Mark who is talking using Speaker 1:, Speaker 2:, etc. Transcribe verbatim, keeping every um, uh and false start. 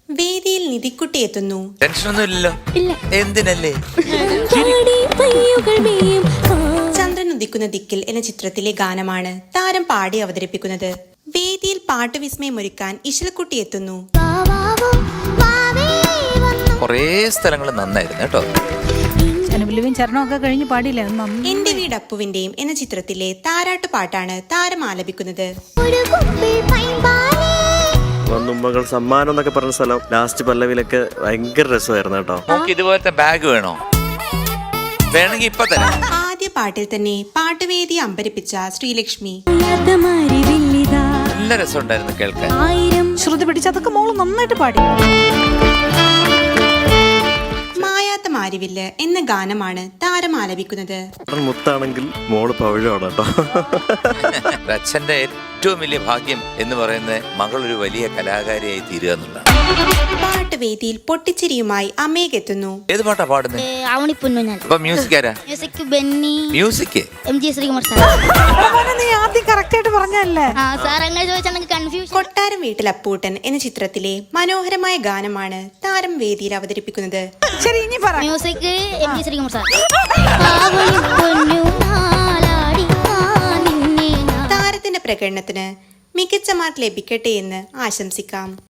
Speaker 1: വേദിയിൽ നിധിക്കുട്ടി എത്തുന്നു.
Speaker 2: ടെൻഷനൊന്നും ഇല്ലല്ലോ? എന്തിനല്ലേ?
Speaker 1: ചന്ദ്രൻ ഉദിക്കുന്ന ദിക്കിൽ എന്ന ചിത്രത്തിലെ ഗാനമാണ് താരം പാടി അവതരിപ്പിക്കുന്നത്. വേദിയിൽ പാട്ട് വിസ്മയമൊരുക്കാൻ ഇശൽക്കുട്ടി എത്തുന്നു.
Speaker 2: കൊറേ സ്ഥലങ്ങൾ നന്നായിരുന്നു കേട്ടോ.
Speaker 3: ചരണമൊക്കെ കഴിഞ്ഞ് പാടില്ല.
Speaker 1: എന്റെ വീട് അപ്പുവിന്റെയും എന്ന ചിത്രത്തിലെ താരാട്ട് പാട്ടാണ് താരം ആലപിക്കുന്നത്.
Speaker 4: വന്നുമ്മകൾ സമ്മാനം എന്നൊക്കെ പറഞ്ഞ സ്ഥലം ലാസ്റ്റ് പല്ലവിലൊക്കെ ഭയങ്കര രസമായിരുന്നു കേട്ടോ.
Speaker 2: നമുക്ക് ഇതുപോലത്തെ ബാഗ് വേണോ? വേണമെങ്കിൽ ഇപ്പൊ തരാം.
Speaker 1: ആദ്യ പാട്ടിൽ തന്നെ പാട്ടുവേദി അമ്പരിപ്പിച്ച ശ്രീലക്ഷ്മി.
Speaker 2: നല്ല രസമുണ്ടായിരുന്നു കേൾക്കാൻ.
Speaker 3: ശ്രുതി പിടിച്ചതൊക്കെ മോള് നന്നായിട്ട് പാടി.
Speaker 1: മായാത്ത മാരിവില്ല് എന്ന ഗാനമാണ് താരം ആലപിക്കുന്നത്.
Speaker 4: മുത്താണെങ്കിൽ മോള് പവിഴമാണ് കേട്ടോ.
Speaker 2: അച്ഛന്റെ ഏറ്റവും വലിയ ഭാഗ്യം എന്ന് പറയുന്നത് മകൾ ഒരു വലിയ കലാകാരിയായി തീരുക എന്നുള്ളതാണ്.
Speaker 1: പാട്ടുവേദിയിൽ പൊട്ടിച്ചിരിയുമായി അമേകെത്തുന്നു.
Speaker 2: ഏത് പാട്ടാ പാടുന്നത്? അപ്പൊ മ്യൂസിക് ആരാ?
Speaker 5: Music Benny,
Speaker 2: music
Speaker 5: M G Sreekumar sir.
Speaker 3: നീ ആദ്യം കറക്റ്റ് ആയിട്ട് പറഞ്ഞല്ലേ?
Speaker 5: ആ സാർ അങ്ങനെ ചോദിച്ചാൽ കൺഫ്യൂഷൻ.
Speaker 1: കൊട്ടാരം വീട്ടിൽ അപ്പൂട്ടൻ എന്ന ചിത്രത്തിലെ മനോഹരമായ ഗാനമാണ് താരം വേദിയിൽ അവതരിപ്പിക്കുന്നത്.
Speaker 3: ശരി, ഇനി പറ.
Speaker 5: Music M G Sreekumar sir.
Speaker 1: താരത്തിന്റെ പ്രകടനത്തിന് മികച്ച മാർക്ക് ലഭിക്കട്ടെ എന്ന് ആശംസിക്കാം.